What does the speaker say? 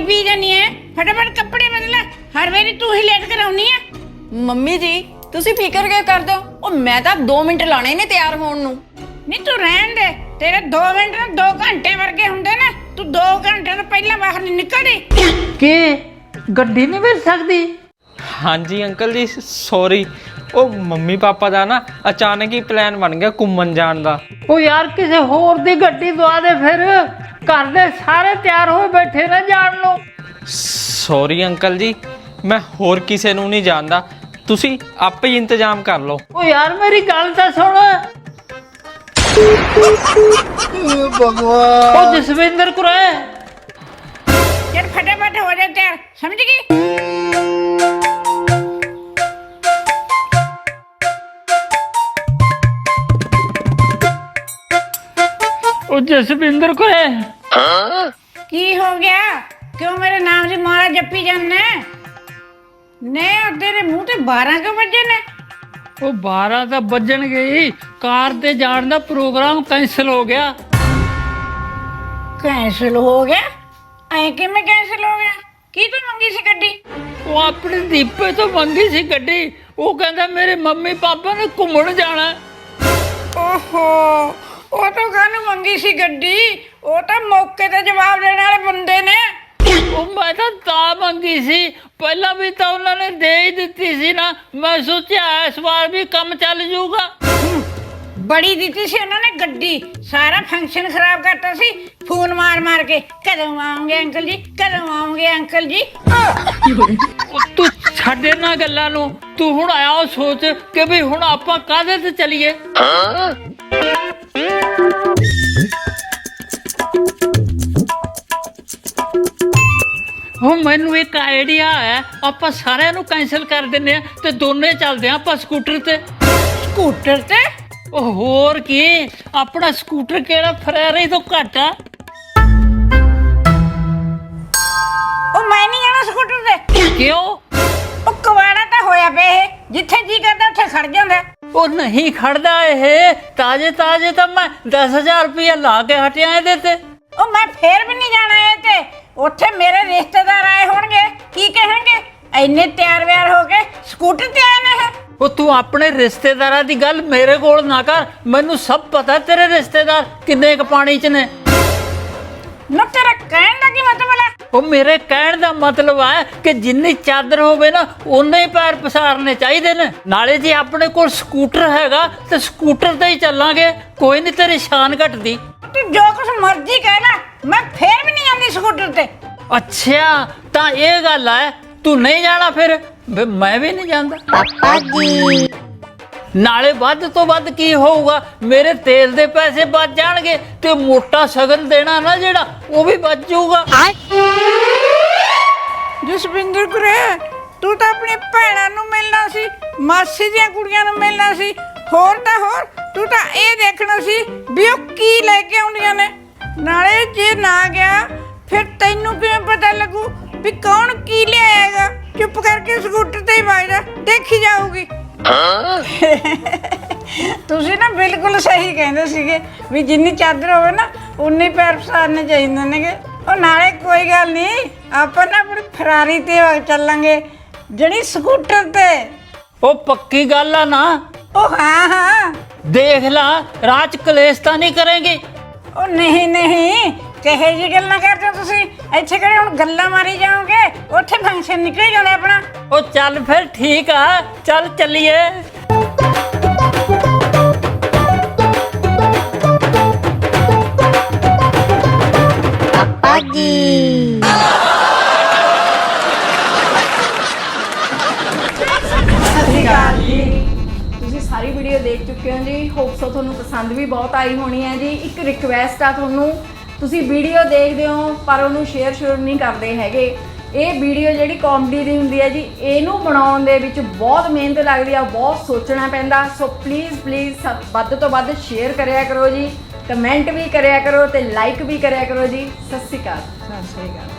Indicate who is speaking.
Speaker 1: P जानी है? फटाफट कपड़े बदला, हर बारी तू ही लेट कर आउनी है।
Speaker 2: ਮੰਮੀ ਜੀ ਤੁਸੀਂ ਫਿਕਰ ਕਿਉਂ ਕਰਦੇ ਹੋ? ਉਹ ਮੈਂ ਤਾਂ 2 ਮਿੰਟ ਲਾਣੇ ਨੇ ਤਿਆਰ ਹੋਣ ਨੂੰ।
Speaker 1: नहीं तू रहन दे, तेरे 2 मिनट ना 2 घंटे वर्गे हुंदे ने। तू 2 घंटे तो पहले बाहर नहीं निकलदी
Speaker 3: कि गड्डी नहीं मिल सकती?
Speaker 4: हाँ जी अंकल जी सॉरी, ਉਹ ਮੰਮੀ ਪਾਪਾ ਦਾ ਨਾ ਅਚਾਨਕ ਹੀ ਪਲਾਨ ਬਣ ਗਿਆ ਘੁੰਮਣ ਜਾਣ ਦਾ।
Speaker 3: ਉਹ ਯਾਰ ਕਿਸੇ ਹੋਰ ਦੀ ਗੱਡੀ ਦਵਾ ਦੇ ਫਿਰ, ਘਰ ਦੇ ਸਾਰੇ ਤਿਆਰ ਹੋਏ ਬੈਠੇ ਨੇ ਜਾਣ ਨੂੰ।
Speaker 4: ਸੌਰੀ ਅੰਕਲ ਜੀ, ਮੈਂ ਹੋਰ ਕਿਸੇ ਨੂੰ ਨਹੀਂ ਜਾਣਦਾ, ਤੁਸੀਂ ਆਪੇ ਹੀ ਇੰਤਜ਼ਾਮ ਕਰ ਲਓ।
Speaker 3: ਉਹ ਯਾਰ ਮੇਰੀ ਗੱਲ ਤਾਂ ਸੁਣ।
Speaker 5: भगवान
Speaker 3: ਉਹ ਜਸਵਿੰਦਰ ਕੁਰੇ
Speaker 1: चल फटाफट हो जा तैयार, समझ गई?
Speaker 3: ਉਹ ਜਸਵਿੰਦਰ ਕੁਰੇ
Speaker 1: की हो गया? क्यों मेरे नाम से मारा जप्पी जाना ने? और तेरे मुंह ते 12 क्यों बजे ने?
Speaker 3: ਉਹ 12 ਤਾਂ ਵੱਜਣ ਗਈ, ਕਾਰ ਤੇ ਜਾਣ ਦਾ ਪ੍ਰੋਗਰਾਮ ਕੈਂਸਲ ਹੋ ਗਿਆ।
Speaker 1: कैंसिल हो गया? ऐ कि मैं कैंसिल हो गया? की तो मंगी सी गड्डी?
Speaker 3: ਉਹ ਆਪਣੇ ਦੀਪੇ ਤੋਂ ਮੰਗੀ ਸੀ ਗੱਡੀ, ਉਹ ਕਹਿੰਦਾ ਮੇਰੇ ਮੰਮੀ ਪਾਪਾ ਨੇ ਘੁੰਮਣ ਜਾਣਾ।
Speaker 1: ओहो, ਉਹ ਤਾਂ ਕਾਹਨੂੰ ਮੰਗੀ ਸੀ ਗੱਡੀ? ਉਹ ਤਾਂ ਮੌਕੇ ਤੇ ਜਵਾਬ ਦੇਣ ਵਾਲੇ ਬੰਦੇ ਨੇ।
Speaker 3: ਉਹ ਮੈਂ ਤਾਂ ਮੰਗੀ ਸੀ, ਪਹਿਲਾਂ ਵੀ ਤਾਂ ਉਹਨਾਂ ਨੇ ਦੇ ਹੀ ਦਿੱਤੀ ਸੀ ਨਾ, ਮੈਂ ਸੋਚਿਆ ਇਸ ਵਾਰ ਵੀ ਕੰਮ ਚੱਲ ਜਾਊਗਾ।
Speaker 1: ਬੜੀ ਦਿੱਤੀ ਸੀ ਉਹਨਾਂ ਨੇ ਗੱਡੀ, ਸਾਰਾ ਫੰਕਸ਼ਨ ਖਰਾਬ ਕਰਤਾ ਸੀ। ਫੋਨ ਮਾਰ ਮਾਰ ਕੇ ਕਦੋਂ ਆਉਂਗੇ ਅੰਕਲ ਜੀ, ਕਦੋਂ ਆਉਂਗੇ ਅੰਕਲ ਜੀ।
Speaker 3: ਉਹ ਤੂੰ ਛੱਡ ਇਹਨਾਂ ਗੱਲਾਂ ਨੂੰ, ਤੂੰ ਹੁਣ ਆਇਆ ਉਹ ਸੋਚ ਕਿ ਵੀ ਹੁਣ ਆਪਾਂ ਕਾਹਦੇ ਤੇ ਚੱਲੀਏ। ਹੁਣ ਮੈਨੂੰ ਇੱਕ ਆਈਡੀਆ ਹੈ, ਆਪਾਂ ਸਾਰਿਆਂ ਨੂੰ ਕੈਂਸਲ ਕਰ ਦਿੰਨੇ ਆ ਤੇ ਦੋਨੇ ਚੱਲਦੇ ਆ ਆਪਾਂ ਸਕੂਟਰ ਤੇ।
Speaker 1: ਸਕੂਟਰ ਤੇ?
Speaker 3: ਉਹ ਹੋਰ ਕੀ, ਆਪਣਾ ਸਕੂਟਰ ਕਿਹੜਾ ਫਰੈਰੀ ਤੋਂ ਘੱਟ ਆ।
Speaker 1: ਉਹ ਮੈਂ ਨਹੀਂ ਜਾਣਾ ਸਕੂਟਰ ਤੇ।
Speaker 3: ਕਿਉਂ?
Speaker 1: ਉਹ ਕਵਾੜਾ ਤਾਂ ਹੋਇਆ ਪਿਆ ਇਹ, ਜਿੱਥੇ ਜੀ ਕਰਦਾ ਉੱਥੇ ਖੜ ਜਾਂਦਾ।
Speaker 3: ਉਹ ਨਹੀਂ ਖੜਦਾ ਇਹ, ਤਾਜ਼ੇ ਤਾਜ਼ੇ ਤਾਂ ਮੈਂ 10,000 ਰੁਪਇਆ ਲਾ ਕੇ ਹਟਿਆ ਇਹਦੇ ਤੇ।
Speaker 1: ਉਹ ਮੈਂ ਫੇਰ ਵੀ ਨਹੀਂ ਜਾਣਾ ਇਹ ਤੇ। ਉੱਥੇ ਮੇਰੇ ਰਿਸ਼ਤੇਦਾਰ ਆਏ ਹੋਣਗੇ, ਕੀ ਕਹਿਣਗੇ? ਇੰਨੇ ਤਿਆਰ ਵਿਆਰ ਹੋ ਕੇ ਸਕੂਟਰ ਤੇ ਆਏ ਨੇ ਇਹ।
Speaker 3: ਉਹ ਤੂੰ ਆਪਣੇ ਰਿਸ਼ਤੇਦਾਰਾਂ ਦੀ ਗੱਲ ਮੇਰੇ ਕੋਲ ਨਾ ਕਰ, ਮੈਨੂੰ ਸਭ ਪਤਾ ਤੇਰੇ ਰਿਸ਼ਤੇਦਾਰ ਕਿੰਨੇ ਕ ਪਾਣੀ 'ਚ ਨੇ।
Speaker 1: ਨਾ ਤੇਰਾ ਕਹਿਣ ਦਾ ਕੀ ਮਤਲਬ ਹੈ?
Speaker 3: ਉਹ ਮੇਰੇ ਕਹਿਣ ਦਾ ਮਤਲਬ ਹੈ ਕਿ ਜਿੰਨੀ ਚਾਦਰ ਹੋਵੇ ਨਾ ਉਨੇ ਹੀ ਪੈਰ ਪਸਾਰਨੇ ਚਾਹੀਦੇ ਨੇ। ਨਾਲੇ ਜੇ ਆਪਣੇ ਕੋਲ ਸਕੂਟਰ ਹੈਗਾ ਤੇ ਸਕੂਟਰ ਤੇ ਹੀ ਚੱਲਾਂਗੇ, ਕੋਈ ਨਹੀਂ ਤੇਰੀ ਸ਼ਾਨ ਘਟਦੀ।
Speaker 1: ਤੂੰ ਜੋ ਕੁਛ ਮਰਜ਼ੀ ਕਹਿ ਲੈ, ਮੈਂ ਫੇਰ ਵੀ ਨਹੀਂ ਜਾਂਦੀ ਸਕੂਟਰ ਤੇ।
Speaker 3: ਅੱਛਾ ਤਾਂ ਇਹ ਗੱਲ ਹੈ, ਤੂੰ ਨਹੀਂ ਜਾਣਾ ਫਿਰ ਮੈਂ ਵੀ ਨਹੀਂ ਜਾਂਦਾ।
Speaker 2: ਪਾਪਾ ਜੀ
Speaker 3: ਨਾਲੇ ਵੱਧ ਤੋਂ ਵੱਧ ਕੀ ਹੋਊਗਾ, ਮੇਰੇ ਤੇਲ ਦੇ ਪੈਸੇ ਬਚ ਜਾਣਗੇ ਤੇ ਮੋਟਾ ਸ਼ਗਨ ਦੇਣਾ ਨਾ ਜਿਹੜਾ, ਉਹ ਵੀ ਬਚ ਜਾਊਗਾ।
Speaker 1: ਜਸਵਿੰਦਰ ਕੁਰੇ, ਤੂੰ ਤਾਂ ਆਪਣੀ ਭੈਣਾਂ ਨੂੰ ਮਿਲਣਾ ਸੀ, ਮਾਸੀ ਦੀਆਂ ਕੁੜੀਆਂ ਨੂੰ ਮਿਲਣਾ ਸੀ, ਹੋਰ ਤਾਂ ਹੋਰ ਤੂੰ ਤਾਂ ਇਹ ਦੇਖਣਾ ਸੀ ਵੀ ਉਹ ਕੀ ਲੈ ਕੇ ਆਉਂਦੀਆਂ ਨੇ। ਨਾਲੇ ਜੇ ਨਾ ਗਿਆ ਫਿਰ ਤੈਨੂੰ ਕਿਵੇਂ ਪਤਾ ਲੱਗੂ ਵੀ ਕੌਣ ਕੀ ਲਿਆਏਗਾ? ਚੁੱਪ ਕਰਕੇ ਸਕੂਟਰ ਤੇ ਹੀ ਵਗ ਜਾ, ਦੇਖੀ ਜਾਊਗੀ। ਤੁਸੀਂ ਨਾ ਬਿਲਕੁਲ ਸਹੀ ਕਹਿੰਦੇ ਸੀਗੇ ਵੀ ਜਿੰਨੀ ਚਾਦਰ ਹੋਵੇ ਨਾ ਉਨੇ ਪੈਰ ਪਸਾਰਨੇ ਚਾਹੀਦੇ ਨੇਗੇ। ਉਹ ਨਾਲੇ ਕੋਈ ਗੱਲ ਨਹੀਂ, ਆਪਾਂ ਨਾ ਆਪਣੀ ਫਰਾਰੀ ਤੇ ਚੱਲਾਂਗੇ, ਜਿਹੜੀ ਸਕੂਟਰ ਤੇ।
Speaker 3: ਉਹ ਪੱਕੀ ਗੱਲ ਆ ਨਾ?
Speaker 1: ਉਹ ਹਾਂ ਹਾਂ,
Speaker 3: ਦੇਖ ਲਾ ਰਾਹ 'ਚ ਕਲੇਸ਼ ਤਾਂ ਨਹੀਂ ਕਰੇਂਗੇ।
Speaker 1: ਉਹ ਨਹੀਂ ਨਹੀਂ, ਕਿਹੇ ਜੀ ਗੱਲਾਂ ਕਰਦੇ ਹੋ ਤੁਸੀਂ? ਇੱਥੇ ਕਿਹੜੇ ਹੁਣ ਗੱਲਾਂ ਮਾਰੀ ਜਾਓਗੇ, ਉੱਥੇ ਫੰਕਸ਼ਨ ਨਿਕਲ ਜਾਣਾ ਆਪਣਾ।
Speaker 3: ਉਹ ਚੱਲ ਫਿਰ ਠੀਕ ਆ, ਚੱਲ ਚੱਲੀਏ।
Speaker 2: ਪਾਪਾ ਜੀ
Speaker 6: ਤੁਸੀਂ ਸਾਰੀ ਵੀਡੀਓ ਦੇਖ ਚੁੱਕੇ ਹੋ ਜੀ। ਹੋਪ ਸੋ ਤੁਹਾਨੂੰ ਪਸੰਦ ਵੀ ਬਹੁਤ ਆਈ ਹੋਣੀ ਹੈ ਜੀ। ਇੱਕ ਰਿਕਵੈਸਟ ਆ ਤੁਹਾਨੂੰ, ਤੁਸੀਂ ਵੀਡੀਓ ਦੇਖਦੇ ਹੋ ਪਰ ਉਹਨੂੰ ਸ਼ੇਅਰ ਨਹੀਂ ਕਰਦੇ ਹੈਗੇ। ਇਹ ਵੀਡੀਓ ਜਿਹੜੀ ਕਾਮੇਡੀ ਦੀ ਹੁੰਦੀ ਹੈ ਜੀ, ਇਹਨੂੰ ਬਣਾਉਣ ਦੇ ਵਿੱਚ ਬਹੁਤ ਮਿਹਨਤ ਲੱਗਦੀ ਆ, ਬਹੁਤ ਸੋਚਣਾ ਪੈਂਦਾ। ਸੋ ਪਲੀਜ਼ ਵੱਧ ਤੋਂ ਵੱਧ ਸ਼ੇਅਰ ਕਰਿਆ ਕਰੋ ਜੀ, ਕਮੈਂਟ ਵੀ ਕਰਿਆ ਕਰੋ ਤੇ ਲਾਈਕ ਵੀ ਕਰਿਆ ਕਰੋ ਜੀ। ਸਤਿ ਸ਼੍ਰੀ ਅਕਾਲ।